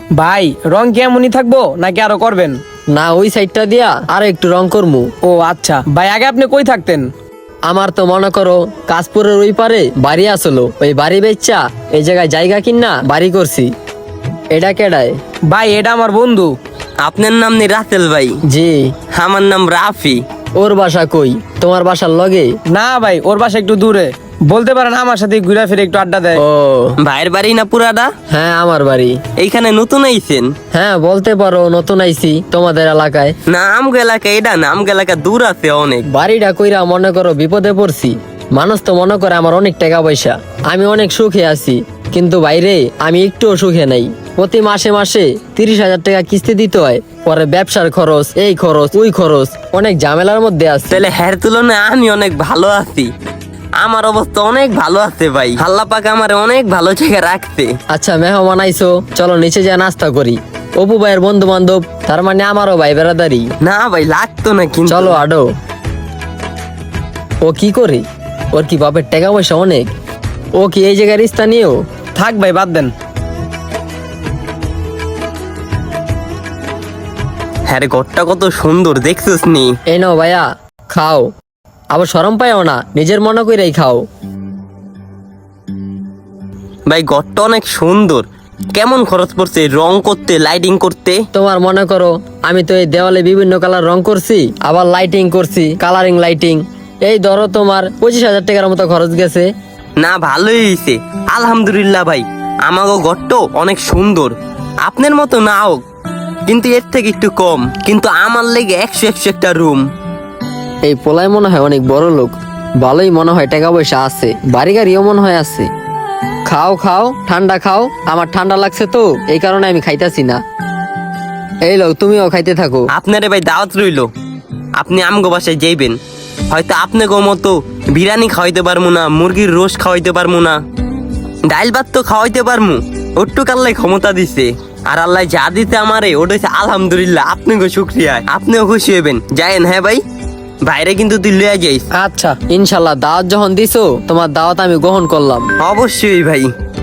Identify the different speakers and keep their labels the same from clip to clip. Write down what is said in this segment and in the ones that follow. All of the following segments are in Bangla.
Speaker 1: ভাই রং কি এমনই থাকবো নাকি আরো করবেন?
Speaker 2: না, ওই সাইডটা দিয়া আর একটু রং করমু।
Speaker 1: ও আচ্ছা ভাই, আগে আপনি কই থাকতেন?
Speaker 2: আমার তো মনে করো কাশপুরের ওই পারে বাড়ি আসলো, ওই বাড়ি বেচা এই জায়গায় জায়গা কিনা বাড়ি করছি। এটা কেডায়?
Speaker 1: ভাই এটা আমার বন্ধু।
Speaker 3: আপনার নাম নি রাসেল ভাই?
Speaker 2: জি।
Speaker 3: আমার নাম রাফি।
Speaker 2: ওর বাসা কই? তোমার বাসার লগে?
Speaker 1: না ভাই, ওর বাসা একটু দূরে। বলতে পারেন আমার সাথে ঘুরে ফিরে একটু আড্ডা দেয়।
Speaker 2: ও
Speaker 3: ভাইয়ের বাড়ি না পুরাটা?
Speaker 2: হ্যাঁ, আমার বাড়ি।
Speaker 3: এইখানে নতুন আইছেন?
Speaker 2: হ্যাঁ বলতে পারো, নতুন আইছি তোমাদের এলাকায়।
Speaker 3: না আমগো এলাকা এটা না, আমগো এলাকা দূর আছে অনেক।
Speaker 2: বাড়িটা কইরা মনে করো বিপদে পড়ছি। মানুষ তো মনে করে আমার অনেক টাকা পয়সা, আমি অনেক সুখে আছি, কিন্তু বাইরে আমি একটুও সুখে নাই। প্রতি মাসে মাসে 30,000 টাকা কিস্তি দিতে হয়, পরে ব্যবসার খরচ, এই খরচ ওই খরচ, অনেক ঝামেলার মধ্যে আছে।
Speaker 3: তাহলে হ্যার তুলনায় আমি অনেক ভালো আছি। আমার অবস্থা অনেক ভালো আছে ভাই, আল্লাহ পাক আমার অনেক ভালো জায়গায় রাখছে।
Speaker 2: আচ্ছা মেহমান আইসো, চলো নিচে যা নাস্তা করি। অপু ভাইয়ের বন্ধু বান্ধব, তার মানে আমারও ভাই বেড়াদারি।
Speaker 3: না ভাই লাগতো না কিন্তু।
Speaker 2: চলো আডো। ও কি করে? ওর কি বাপের টাকা পয়সা অনেক? ও কি এই জায়গার স্থানীয়?
Speaker 1: থাক ভাই, বাদ দেন।
Speaker 3: হ্যাঁ রে, ঘরটা কত সুন্দর দেখছিস নি?
Speaker 2: এই নাও ভাইয়া, খাও। আবার শরম পাইও না, নিজের মনে করেই খাও।
Speaker 3: ভাই ঘরটা অনেক সুন্দর। কেমন খরচ পড়ছে রং করতে, লাইটিং করতে?
Speaker 2: তোমার মনে করো আমি তো এই দেওয়ালে বিভিন্ন কালার রং করছি, আবার লাইটিং করছি, কালারিং লাইটিং। এই ধরো তোমার 25,000 টাকার মতো খরচ গেছে।
Speaker 3: না ভালোই হয়েছে আলহামদুলিল্লাহ ভাই। আমাগো ঘরটাও অনেক সুন্দর, আপনার মতো না হোক কিন্তু এর থেকে একটু কম, কিন্তু আমার লেগে 100 একটা রুম।
Speaker 2: এই পোলায় মনে হয় অনেক বড় লোক, ভালোই মনে হয় টাকা পয়সা আছে, বাড়ি গাড়িও মনে হয় আছে। খাও খাও, ঠান্ডা খাও। আমার ঠান্ডা লাগছে তো, এই কারণে আমি খাইতাছি না। এই লোক তুমিও খাইতে থাকো।
Speaker 3: আপনারে ভাই দাওয়াত রইলো, আপনি আমগো বাসায় যাইবেন। হয়তো আপনাকে মতো বিরিয়ানি খাওয়াইতে পারবো না, মুরগির রোস খাওয়াইতে পারবো না, ডাইল ভাত তো খাওয়াইতে পারবো, ওটুক আল্লাহ ক্ষমতা দিছে। আর আল্লাহ যা দিতে আমারে ওটা হচ্ছে আলহামদুলিল্লাহ। আপনাকে শুক্রিয়া, আপনিও খুশি হবেন। যায়েন হ্যাঁ ভাই, বাইরে কিন্তু তুই লইয়া যাইস।
Speaker 1: আচ্ছা
Speaker 2: ইনশাল্লাহ, দাওয়াত যখন দিছো তোমার দাওয়াত আমি গ্রহণ করলাম।
Speaker 3: অবশ্যই ভাই।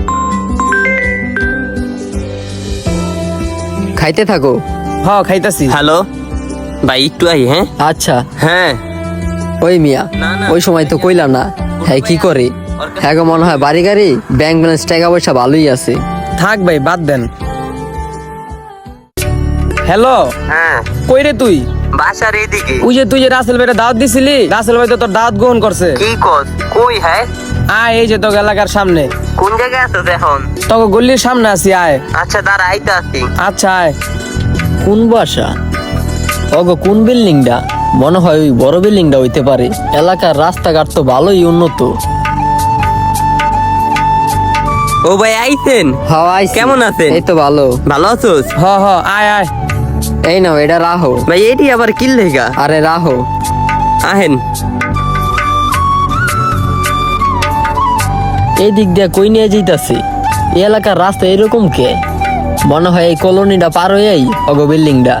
Speaker 2: খাইতে থাকো।
Speaker 1: হ, খাইতাছি।
Speaker 3: হ্যালো ভাই, একটু আই। হ্যাঁ
Speaker 2: আচ্ছা।
Speaker 3: হ্যাঁ।
Speaker 2: ওই মিয়া,
Speaker 3: না, না।
Speaker 2: ওই সময় তো কইলা না। হ্যাঁ কি করে? হ্যাঁ গো, মনে হয় বাড়ি গাড়ি ব্যাংক ব্যালেন্স টাকা পয়সা ভালোই আছে।
Speaker 1: থাক ভাই, বাদ দেন। হ্যালো,
Speaker 3: হ্যাঁ
Speaker 1: কই রে তুই?
Speaker 3: বাসার এইদিকে।
Speaker 1: ওই যে তুই যে রাসেল ভাইয়ের দাওয়াত দিছিলি, রাসেল ভাই তো তোর দাওয়াত গ্রহণ করছে।
Speaker 3: কি কস? কই? হ্যাঁ
Speaker 1: আয়, এই যে তোর এলাকার সামনে,
Speaker 3: কোন জায়গায় আছো এখন?
Speaker 1: তোকে গল্লির সামনে আছি, আয়।
Speaker 3: আচ্ছা দাঁড়া, আইতে আসি।
Speaker 1: আচ্ছা আয়।
Speaker 2: কোন বাসা? ওগো কোন বিল্ডিংটা? মনে হয় ওই বড় বিল্ডিংটা হইতে পারে। এলাকার রাস্তাঘাট তো ভালোই উন্নত।
Speaker 3: ও ভাই আইছেন?
Speaker 2: হাওয়াই
Speaker 3: কেমন আছেন?
Speaker 2: এই তো ভালো।
Speaker 3: ভালো আছোস?
Speaker 1: হ হ, আয় আয়।
Speaker 2: এই নাও, এটা রাহো।
Speaker 3: ভাই এটি আবার কি লেগা?
Speaker 2: আরে রাহো।
Speaker 3: আহেন।
Speaker 2: এই দিক দিয়ে কই নিয়ে যাইতাছে? এই এলাকার রাস্তা এরকম কে? মনে হয় এই কলোনিটা পার হয়েই ওগো বিল্ডিংটা।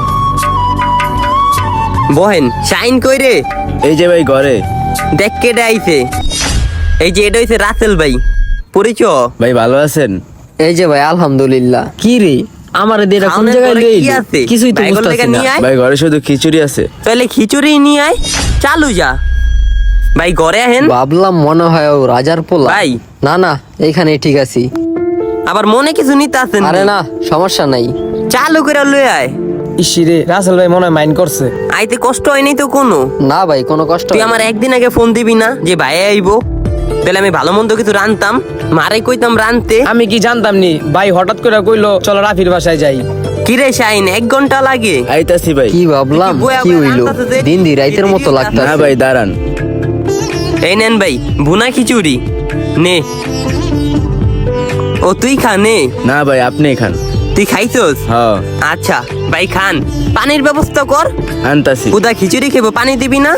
Speaker 3: বহেন। শাইন কই রে?
Speaker 4: এই যে ভাই ঘরে।
Speaker 3: দেখ কেটে আইছে। এই যে এটা হইছে রাসেল ভাই, পরিচয়।
Speaker 4: ভাই ভালো আছেন?
Speaker 2: এই যে ভাই আলহামদুলিল্লাহ। কি রে, আমার এদের কোন
Speaker 3: খাওনের
Speaker 2: জায়গায়
Speaker 3: পরে
Speaker 2: লই?
Speaker 3: কি আছে?
Speaker 2: কিছুই তো
Speaker 3: বাইগল
Speaker 2: বুঝতাছি
Speaker 3: লেগা
Speaker 2: না।
Speaker 3: নিয়ে আয়।
Speaker 4: ভাই ঘরে শুধু খিচুড়ি আছে।
Speaker 3: তাহলে খিচুড়ি নিয়ে আয়, চালু যা। ভাই ঘরে আহেন।
Speaker 2: ভাবলাম মনে হয় ও রাজার পোলা।
Speaker 3: ভাই।
Speaker 2: না না, এইখানে ঠিক আছি।
Speaker 3: আবার মনে কিছু নিতে আছেন?
Speaker 2: আরে না, সমস্যা নাই।
Speaker 3: চালু করে লই আয়।
Speaker 1: ইসিরে, রাসেল ভাই মনে হয় মাইন্ড করছে।
Speaker 3: আইতে কষ্ট হয়নি তো কোনো?
Speaker 2: না ভাই, কোনো কষ্ট
Speaker 3: তুই
Speaker 2: হয় না।
Speaker 3: আমার একদিন আগে ফোন দিবি না যে ভাই আইবো? তাহলে আমি ভালো মন্দ কিছু রানতাম, মারে কইতাম রানতে।
Speaker 1: আমি কি জানতাম নি ভাই হঠাৎ করে কইলো চলো রাফির বাসায় যাই।
Speaker 3: কিরে শাইন, 1 ঘন্টা লাগে?
Speaker 4: আইতাছি ভাই।
Speaker 2: কি ভাবলাম,
Speaker 3: তুই কি বয়া
Speaker 2: কি
Speaker 3: বয়া
Speaker 2: হইলো?
Speaker 3: রান্তাছে যে?
Speaker 2: দিন দি রাইতের মতো
Speaker 4: না
Speaker 2: লাগতাছে।
Speaker 4: ভাই দাঁড়ান।
Speaker 3: এই নেন ভাই ভুনা খিচুড়ি, নে। ও তুই খা, নে।
Speaker 4: না ভাই আপনি খান।
Speaker 3: তুই খাইছস?
Speaker 4: হ্যাঁ
Speaker 3: আচ্ছা ভাই খান। পানির ব্যবস্থা কর।
Speaker 4: আনতাছি।
Speaker 3: উদা খিচুড়ি খেবো, পানি দিবি না?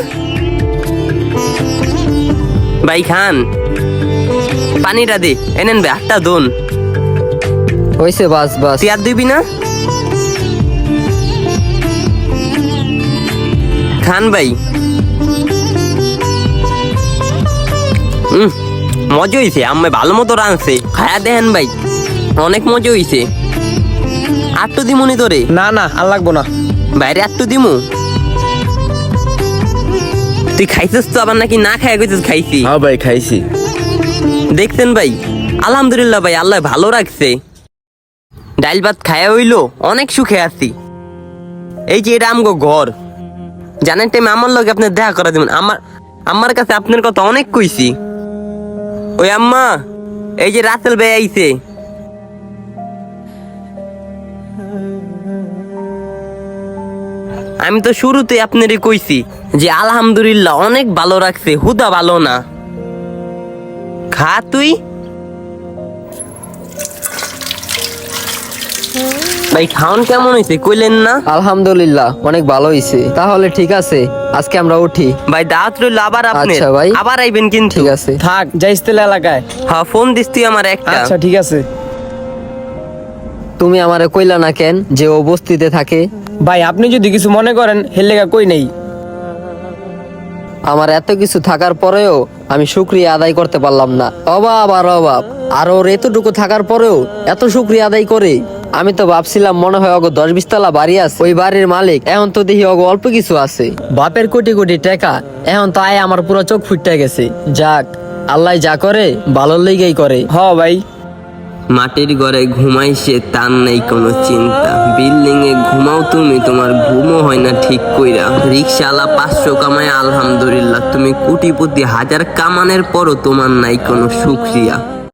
Speaker 3: ভাই খান, পানিটা দে। এনেন ভাই, 8টা দোন।
Speaker 2: হইছে, বাস বাস।
Speaker 3: তুই আর দিবি না? খান ভাই। মজা হইছে, আমি ভালো মতো রাঁধছে, খায়া দেখেন ভাই, অনেক মজা হইছে। আটটু দিমুনি তোরে?
Speaker 1: না না আর লাগবো না।
Speaker 3: বাইরে আটটু দিমু? তুই খাইছিস তো আবার নাকি না খাই গেছিস? খাইছি।
Speaker 4: হ্যাঁ ভাই খাইছি।
Speaker 3: দেখছেন ভাই, আলহামদুলিল্লাহ ভাই, আল্লাহ ভালো রাখছে। ডাইল ভাত খায়া হইলো, অনেক সুখে আছি। এই যে এটা আমগো ঘর, জানেন টাইম আমার লগে আপনি দেখা করা দিবেন। আমার কাছে আপনার কথা অনেক কইছি। ওই আম্মা, এই যে রাসেল ভাই আইছে। আমি তো শুরুতে আপনারই কইছি যে আলহামদুলিল্লাহ অনেক ভালো রাখছে, হুদা ভালো না। খা তুই। ভাই খাওন কেমন হয়েছে কইলেন না?
Speaker 2: আলহামদুলিল্লাহ অনেক ভালো হয়েছে। তাহলে ঠিক আছে, আজকে আমরা উঠি।
Speaker 3: ভাই দাওয়াত রইল আবার আপনি।
Speaker 2: আচ্ছা ভাই।
Speaker 3: আবার আইবেন কিন্তু।
Speaker 2: ঠিক আছে।
Speaker 1: থাক, যাইস তেলে এলাকায়।
Speaker 3: হ্যাঁ ফোন দিস তুই আমার একটা।
Speaker 1: আচ্ছা ঠিক আছে।
Speaker 2: তুমি আমারে কইলা না কেন যে ও বস্তিতে থাকে?
Speaker 1: ভাই আপনি যদি কিছু মনে করেন হেলেগা কই নেই।
Speaker 2: আমার এত কিছু থাকার পরেও আমি শুকরিয়া আদায় করতে পারলাম না। অভাব আর অভাব, আর ওর এতটুকু থাকার পরেও এত শুকরিয়া আদায় করে। আমি তো ভাবছিলাম মনে হয় অগো 10-20 তলা বাড়ি আছে, ওই বাড়ির মালিক। এখন তো দেখি অগো অল্প কিছু আছে। বাপের কোটি কোটি টাকা, এখন তো আয় আমার পুরো চোখ ফুটে গেছে। যাক, আল্লাহ যা করে ভালোর লেগেই করে।
Speaker 1: হ ভাই।
Speaker 3: মাটির ঘরে ঘুমাই সে, তার নেই কোনো চিন্তা। বিল্ডিং এ ঘুমাও তুমি, তোমার ঘুমও হয় না ঠিক কইরা। রিক্সাওয়ালা 500 কামায় আলহামদুলিল্লাহ, তুমি কোটিপতি 1000 কামানের পরও তোমার নাই কোনো শুকরিয়া।